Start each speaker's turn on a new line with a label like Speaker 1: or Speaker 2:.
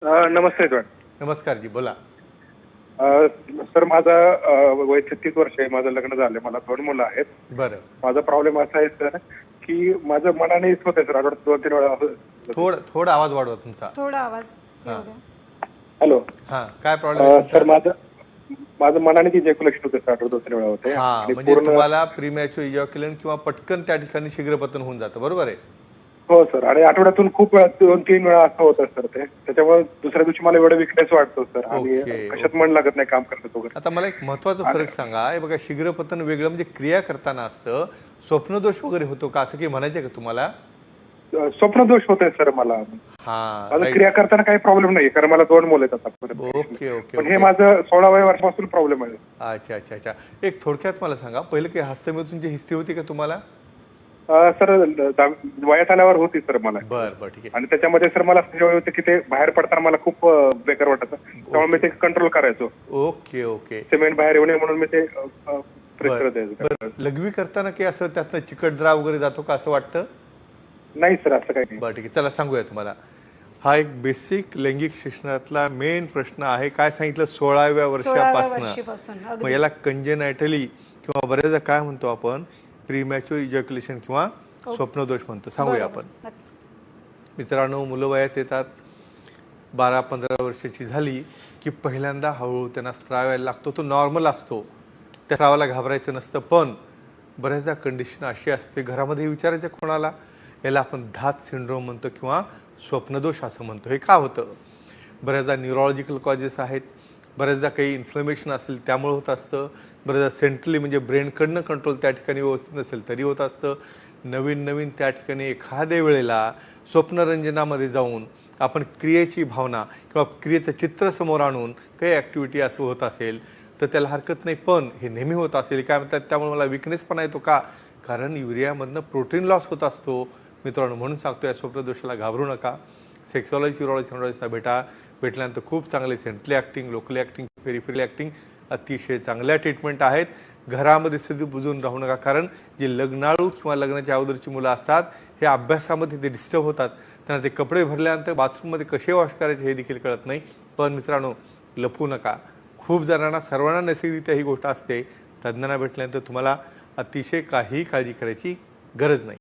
Speaker 1: नमस्ते sir.
Speaker 2: नमस्कार जी, बोला.
Speaker 1: Sir माझा वय 36 वर्ष आहे. माझं लग्न झालंय. मला 2 मुलं आहेत.
Speaker 2: बरं.
Speaker 1: माझा प्रॉब्लेम असा आहे सर की माझं मनानेच होतंय सर. आठवड्यात 2-3 वेळा
Speaker 2: थोडा आवाज वाढवा तुमचा.
Speaker 3: थोडा आवाज येऊ द्या.
Speaker 1: हॅलो.
Speaker 2: काय प्रॉब्लेम
Speaker 1: सर माझं मनाने इजॅक्युलेशन होते सर. आठवड्यात 2-3 वेळा होते.
Speaker 2: म्हणजे तुम्हाला प्रीमॅच्युअर इजॅक्युलेशन किंवा पटकन त्या ठिकाणी शीघ्रपतन होऊन जातं, बरोबर आहे?
Speaker 1: हो सर. आणि आठवड्यातून खूप वेळा 2-3 वेळा असं होतं सर ते. त्याच्यामुळे दुसऱ्या दिवशी मला एवढं विकनेस वाटतो सर. आणि कशात मन लागत नाही काम करत वगैरे.
Speaker 2: आता मला एक महत्वाचा फरक सांगा. हे बघा, शीघ्रपतन वेगळं म्हणजे क्रिया करताना असतं. स्वप्नदोष वगैरे होतो का, असं काही म्हणायचं का तुम्हाला?
Speaker 1: स्वप्नदोष होतोय सर मला. माझं क्रिया करताना काही प्रॉब्लेम नाही, कारण मला 2 मुलं आहेत आता.
Speaker 2: Okay okay.
Speaker 1: पण हे माझं 16व्या वर्षापासून प्रॉब्लेम आहे.
Speaker 2: अच्छा अच्छा अच्छा. एक थोडक्यात मला सांगा, पहिले काही हस्तमेतूनची हिस्ट्री होती का तुम्हाला?
Speaker 1: सर वयात आल्यावर होती सर मला.
Speaker 2: बरं ठीक आहे.
Speaker 1: आणि त्याच्यामध्ये सर मला सवय होती की ते बाहेर पडताना मला खूप बेकार वाटायचं. त्यामुळे मी ते कंट्रोल करायचो.
Speaker 2: Okay okay.
Speaker 1: सिमेंट बाहेर येऊ नये म्हणून मी ते प्रेशर द्यायचो.
Speaker 2: लघवी करताना काही असं त्यातनं चिकट द्राव वगैरे जातो का, असं वाटतं?
Speaker 1: नाही सर, असं काही नाही.
Speaker 2: बरं ठीक आहे, चला सांगूया तुम्हाला. हा एक बेसिक लैंगिक शिक्षणातला मेन प्रश्न आहे. काय सांगितलं? 16व्या वर्षापासून. मग याला कंजेनायटली किंवा बऱ्याचदा काय म्हणतो आपण, प्रीमॅच्युअर इजॅक्युलेशन किंवा स्वप्नदोष म्हणतो. सांगूया आपण. मित्रांनो, मुलं वयात येतात. 12-15 वर्षाची झाली की पहिल्यांदा हळूहळू त्यांना स्त्राव यायला लागतो. तो नॉर्मल असतो, त्या स्त्रावाला घाबरायचं नसतं. पण बऱ्याचदा कंडिशन अशी असते, घरामध्ये विचारायचं कोणाला, याला आपण धात सिंड्रोम म्हणतो किंवा स्वप्नदोष असं म्हणतो. हे का होतं? बऱ्याचदा न्यूरोलॉजिकल कॉजेस आहेत. बऱ्याचदा काही इन्फ्लमेशन असेल त्यामुळे होत असतं. बऱ्याचदा सेंट्रली म्हणजे ब्रेनकडनं कंट्रोल त्या ठिकाणी व्यवस्थित नसेल तरी होत असतं. नवीन त्या ठिकाणी एखाद्या वेळेला स्वप्नरंजनामध्ये जाऊन आपण क्रियेची भावना किंवा क्रियेचं चित्र समोर आणून काही ॲक्टिव्हिटी असं होत असेल तर त्याला हरकत नाही. पण हे नेहमी होत असेल, काय म्हणतात, त्यामुळे मला विकनेस पण येतो का, कारण युरियामधनं प्रोटीन लॉस होत असतो. मित्रांनो, म्हणून सांगतो, या स्वप्नदोषाला घाबरू नका. सेक्सॉलॉजी, युरोलॉजी भेटल्यानंतर खूप चांगले centrally acting, locally acting, peripherally acting अतिशय चांगल्या ट्रीटमेंट आहेत. घरामध्ये स्थिती बुजून राहू नका, कारण जे लग्नाळू किंवा लग्नाच्या अगोदरची मुलं असतात हे अभ्यासामध्ये ते डिस्टर्ब होतात. त्यांना ते कपडे भरल्यानंतर बाथरूममध्ये कसे वॉश करायचे हे देखील कळत नाही. पण मित्रांनो, लपवू नका. खूप जणांना, सर्वांना नैसर्गिकरित्या ही गोष्ट असते. तज्ज्ञांना भेटल्यानंतर तुम्हाला अतिशय काही काळजी करायची गरज नाही.